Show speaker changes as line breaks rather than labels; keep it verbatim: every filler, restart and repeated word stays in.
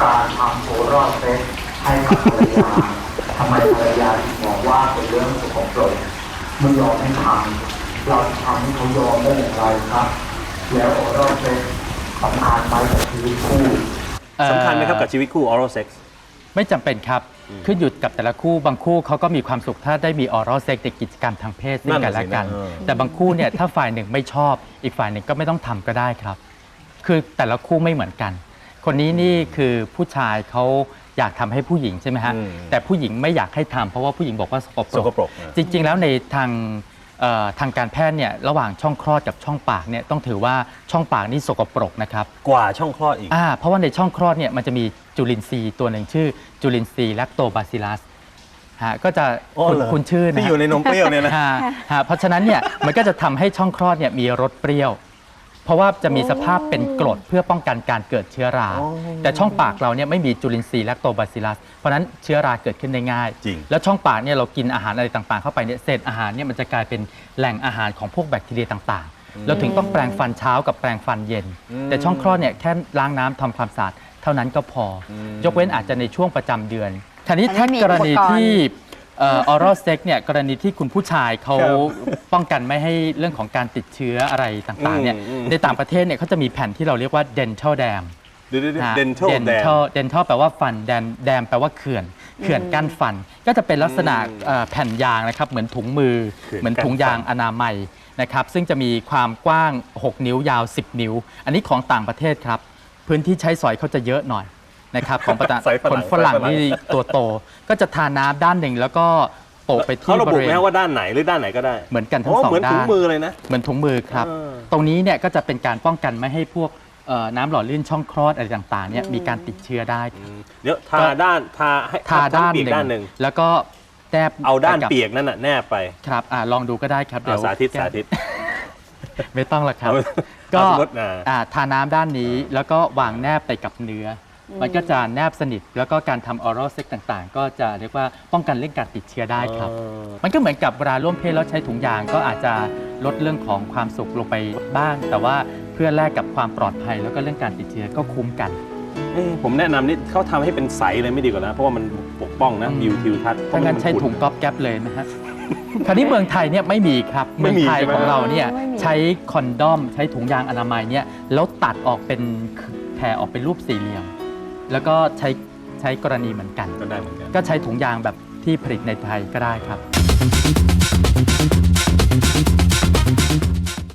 การทำโอรอลเซ็กซ์ให้กับภรรยาทำไมภรรยาถึงมองว่าเป็นเรื่องสกปรกไม่ยอมให้ทำเราทำให้เขายอมได้อย่างไรครับแล้วโอรอลเซ็กซ์สำคัญไหมกับชีวิตคู่
สำคัญไหมครับกับชีวิตคู่ oral sex
ไม่จำเป็นครับขึ้นอยู่กับแต่ละคู่บางคู่เขาก็มีความสุขถ้าได้มีออรัลเซ็กในกิจกรรมทางเพศซึ่งกันและกัน แต่บางคู่เนี่ยถ้าฝ่ายหนึ่งไม่ชอบอีกฝ่ายหนึ่งก็ไม่ต้องทำก็ได้ครับ คือแต่ละคู่ไม่เหมือนกัน คนนี้นี่คือผู้ชายเขาอยากทำให้ผู้หญิงใช่ไหมฮะแต่ผู้หญิงไม่อยากให้ทำเพราะว่าผู้หญิงบอกว่าสกป
ส
ร
ก
ก
ปรก
จริงๆแล้วในทางเอ่อทางการแพทย์เนี่ยระหว่างช่องคลอดกับช่องปากเนี่ยต้องถือว่าช่องปากนี่สกปรกนะครับ
กว่าช่องคลอดอีก
อ่าเพราะว่าในช่องคลอดเนี่ยมันจะมีจุลินทรีย์ตัวหนึ่งชื่อจุลินทรีย์แลคโตบาซิลัสฮะก็จะ
อ๋อ
คุณ
เหรอ
คุณชื่อนะ
ที่อยู่ในนมเปรี้ยวเนี่ยนะ
ฮะฮะเพราะฉะนั้นเนี่ยมันก็จะทำให้ช่องคลอดเนี่ยมีรสเปรี้ยว เพราะว่าจะมีสภาพเป็นกรดเพื่อป้องกันการเกิดเชื้อรา แต่ช่องปากเราเนี่ยไม่มีจุลินทรีย์แลคโตบาซิลัสเพราะฉะนั้นเชื้อราเกิดขึ้นได้ง่าย
จริง
แล้วช่องปากเนี่ยเรากินอาหารอะไรต่างๆเข้าไปเนี่ยเศษอาหารเนี่ยมันจะกลายเป็นแหล่งอาหารของพวกแบคทีเรียต่างๆ เราถึงต้องแปรงฟันเช้ากับแปรงฟันเย็น แต่ช่องคลอดเนี่ยแค่ล้างน้ำทำความสะอาดเท่านั้นก็พอ ยกเว้นอาจจะในช่วงประจำเดือนทีนี้ถ้ากรณีที่ออรัลเซ็กเนี่ยกรณีที่คุณผู้ชายเขาป้องกันไม่ให้เรื่องของการติดเชื้ออะไรต่างๆเนี่ยในต่างประเทศเนี่ยเขาจะมีแผ่นที่เราเรียกว่า dental dam
เดี๋ยว
ฮะ
dental dam
dental dental แปลว่าฟัน dam dam แปลว่าเขื่อนเขื่อนกั้นฟัน ก็จะเป็นลักษณะเอ่อแผ่นยางนะครับเหมือนถุงมือ
เขื่อน
เหมือนถุงยาง
กั้นฟัน
อนามัยนะครับซึ่งจะมีความกว้าง หก นิ้วยาว สิบ นิ้ว อันนี้ของต่างประเทศครับพื้นที่ใช้สอยเขาจะเยอะหน่อยนะครับของประเทศ
สอยฝรั่ง
คนฝรั่ง
สอยฝรั่ง
นี่ตัวโตก็จะทาน้ำด้านหนึ่งแล้วก็โปะไป
เขา
ที่
ระ
บ
บุ
ริ
ไห
เว
ม
ณ
ว่าด้านไหนหรือด้านไหนก็ได้
เหมือนกันทั้ง
อ๋อ
สอง
เหมือนถุ
ด้าง น
มือเลยนะ
เหมือนถุงมือครับ
เออ
ตรงนี้เนี่ยก็จะเป็นการป้องกันไม่ให้พวกเอ่อน้ำหล่อลื่นช่องคลอดอะไรต่างๆเนี่ยมีการติดเชื้อได้
เดี๋ยวทาด้านทาให้
ทาด้าน
เปียก
หนึ่ง
ด้านหนึ่ง
แล้วก็แนบ
เอาด้าน
ไปกับ
เปียกนั่นน่ะแนบไป
ครับอ่าลองดูก็ได้ครับเดี๋ยว
เอาสาธิต
แก้
สาธิต
ไม่ต้องหรอกครับ
เอา
ก็
เอาสมมุติอ่า
อ่าทาน้ำด้านนี้แล้วก็วางแนบไปกับเนื้ออมันก็จะแนบสนิทแล้วก็การทำออรัลเซ็กต่างๆ ก็จะเรียกว่าป้องกันเรื่องการติดเชื้อได้ครับ มันก็เหมือนกับเวลาร่วมเพศแล้วใช้ถุงยางก็อาจจะลดเรื่องของความสุขลงไปบ้าง แต่ว่าเพื่อแลกกับความปลอดภัยแล้วก็เรื่องการติดเชื้อก็คุ้มกัน
เอ้ยผมแนะนำนี่เขาทำให้เป็นใสเลยไม่ดีกว่านะ เพราะว่ามันปกป้องนะ
อืม
วิวทิวทัศน์
ถ้างั้นใช้ถุงก๊อบแก๊ปเลยนะฮะ คราวนี้เมืองไทยเนี่ยไม่มีครับ
ไม่
เมือง
มี
ไทย
ใช่ไหม
ของเราเนี่ย
ไม่มี
ใช้คอนดอมใช้ถุงยางอนามัยเนี่ยแล้วตัดออกเป็นแผ่ออกเป็นรูปสี่เหลี่ยม แล้วก็ใช้ใช้กรณีเหมือนกัน
ก็ได้เหมือนกัน
ก็ใช้ถุงยางแบบที่ผลิตในไทยก็ได้ครับ